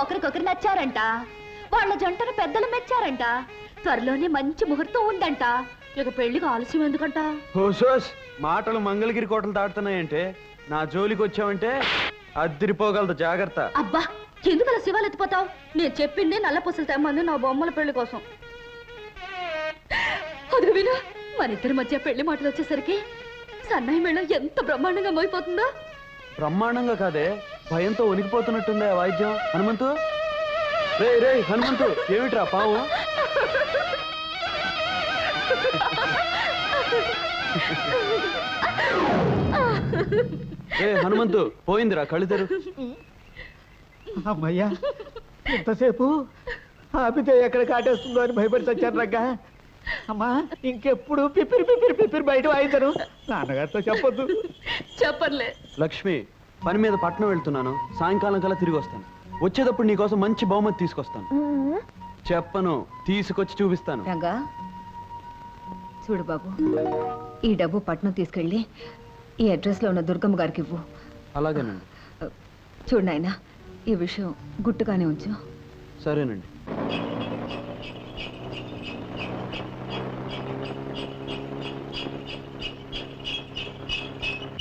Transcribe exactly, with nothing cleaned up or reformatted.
ఒకరికొకరు నచ్చారంట. వాళ్ళ జంటను పెద్దలు మెచ్చారంట. త్వరలోనే మంచి ముహూర్తం ఉందంట. ఇక పెళ్లికి ఆలస్యం ఎందుకంట? హోసోస్ మాటలు మంగళగిరి కోటలు దాటుతున్నాయంటే నా జోలికి వచ్చావంటే అద్దిరిపోగలదు, జాగ్రత్త. అబ్బా, ఎందుకు అలా శివాలు ఎత్తిపోతావు? నేను చెప్పింది నల్ల పూసలు తెమ్మంది నా బొమ్మల పెళ్లి కోసం. అది విను, మన ఇద్దరి మధ్య పెళ్లి మాటలు వచ్చేసరికి సన్నాయి మేళం ఎంత బ్రహ్మాండంగా మోయిపోతుందో. బ్రహ్మాండంగా కాదే, భయంతో వణికిపోతున్నట్టుందే ఆ వాయిద్యం. హనుమంతు, రే రే హనుమంతు, ఏమిట్రా పావు? ఏ హనుమంతు, పోయిందిరా, కళ్ళు తెరు. అమ్మయ్యా, ఎంతసేపు ఆపితే ఎక్కడ కాటేస్తుందో అని భయపడి చచ్చాను రగ్గా. అమ్మా, ఇంకెప్పుడు పిపిరి పిపిరి పిపిరి బయట వాయించను. నాన్నగారితో చెప్పొద్దు. చెప్పర్లే. లక్ష్మి, పని మీద పట్నం వెళ్తున్నాను, సాయంకాలం కల్లా తిరిగి వస్తాను. వచ్చేటప్పుడు నీకోసం మంచి బహుమతి తీసుకొస్తాను. చెప్పను, తీసుకొచ్చి చూపిస్తాను. రంగా చూడు బాబు, ఈ డబ్బు పట్నం తీసుకెళ్ళి ఈ అడ్రస్ లో ఉన్న దుర్గమ్మ గారికి ఇవ్వు. అలాగేనండి. చూడు నాయనా, ఈ విషయం గుట్టుగానే ఉంచు. సరేనండి.